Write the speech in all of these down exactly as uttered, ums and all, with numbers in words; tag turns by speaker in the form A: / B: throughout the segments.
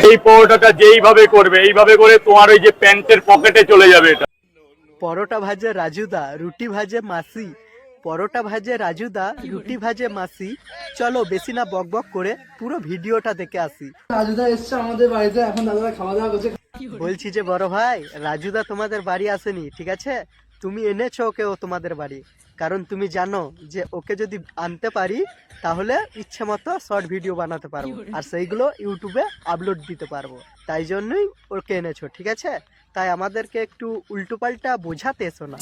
A: এই পরোটাটা যেইভাবে করবে এইভাবে করে তোমার ওই যে প্যান্টের পকেটে চলে যাবে এটা।
B: পরোটা ভাজে রাজুদা, রুটি ভাজে মাসি। পরোটা ভাজে রাজুদা, রুটি ভাজে মাসি। চলো বেশি না বক বক করে পুরো ভিডিওটা দেখে আসি।
C: রাজুদা এসছে আমাদের বাড়িতে, এখন দাদা খাওয়া দাওয়া করছে।
B: বলছি যে বড় ভাই, রাজুদা তোমাদের বাড়ি আসেনি, ঠিক আছে? তুমি এনেছো ওকে ও তোমাদের বাড়ি, কারণ তুমি জানো যে ওকে যদি আনতে পারি তাহলে ইচ্ছে মতো শর্ট ভিডিও বানাতে পারবো আর সেইগুলো ইউটিউবে আপলোড দিতে পারবো। তাই জন্যই ওকে এনেছো, ঠিক আছে? তাই আমাদেরকে একটু উল্টো পাল্টা বোঝাতে এসো না।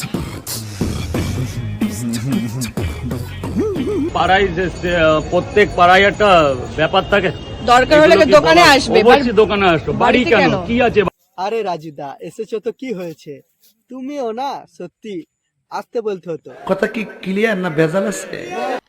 A: পাড়ায় যে সে- প্রত্যেক পাড়ায় একটা ব্যাপার থাকে,
D: দরকার হলে
A: এগুলো কি
D: দোকানে
A: বলা-
D: আসবে,
A: অবশ্যই দোকানে আসতো। বাড়ি
D: বাড়িতে
A: কেন,
D: কেন?
A: কি আছে?
B: আরে রাজুদা এসেছো তো কি হয়েছে, তুমিও না সত্যি আসতে বলতে হতো।
E: কথা কি ক্লিয়ার না ভেজাল আছে?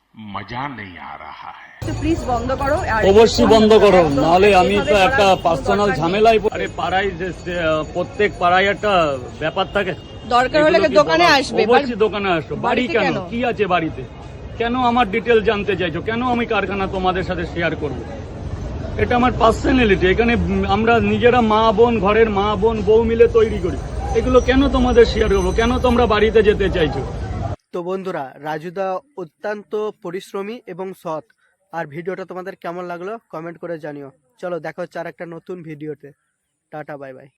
D: প্লিজ বন্ধ করো। আর
A: অবশ্যই বন্ধ করো, নাহলে আমি তো
D: এভাবে
A: একটা
D: করার কোনো
A: পার্সোনাল
D: দরকার নেই।
A: ঝামেলায় পড়ে- আরে পাড়ায় যে সে- প্রত্যেক পাড়ায় একটা ব্যাপার থাকে,
D: দরকার হলে
A: এগুলো কি
D: দোকানে
A: বলা-
D: আসবে,
A: অবশ্যই দোকানে আসতো। বাড়ি
D: বাড়িতে
A: কেন,
D: কেন?
A: কি আছে বাড়িতে? কেন আমার ডিটেল জানতে চাইছো? কেন আমি কারখানা তোমাদের সাথে শেয়ার করব? এটা আমার পার্সোনালিটি। এখানে উম, আমরা নিজেরা মা বোন, ঘরের মা বোন বউ মিলে তৈরি করি। এগুলো কেন তোমাদের শেয়ার করবো? কেন তোমরা বাড়িতে যেতে চাইছো?
B: তো বন্ধুরা, রাজুদা অত্যন্ত পরিশ্রমী এবং সৎ। আর ভিডিওটা তোমাদের কেমন লাগলো কমেন্ট করে জানিও। চলো দেখা হচ্ছে আর একটা নতুন ভিডিওতে। Tata, bye by.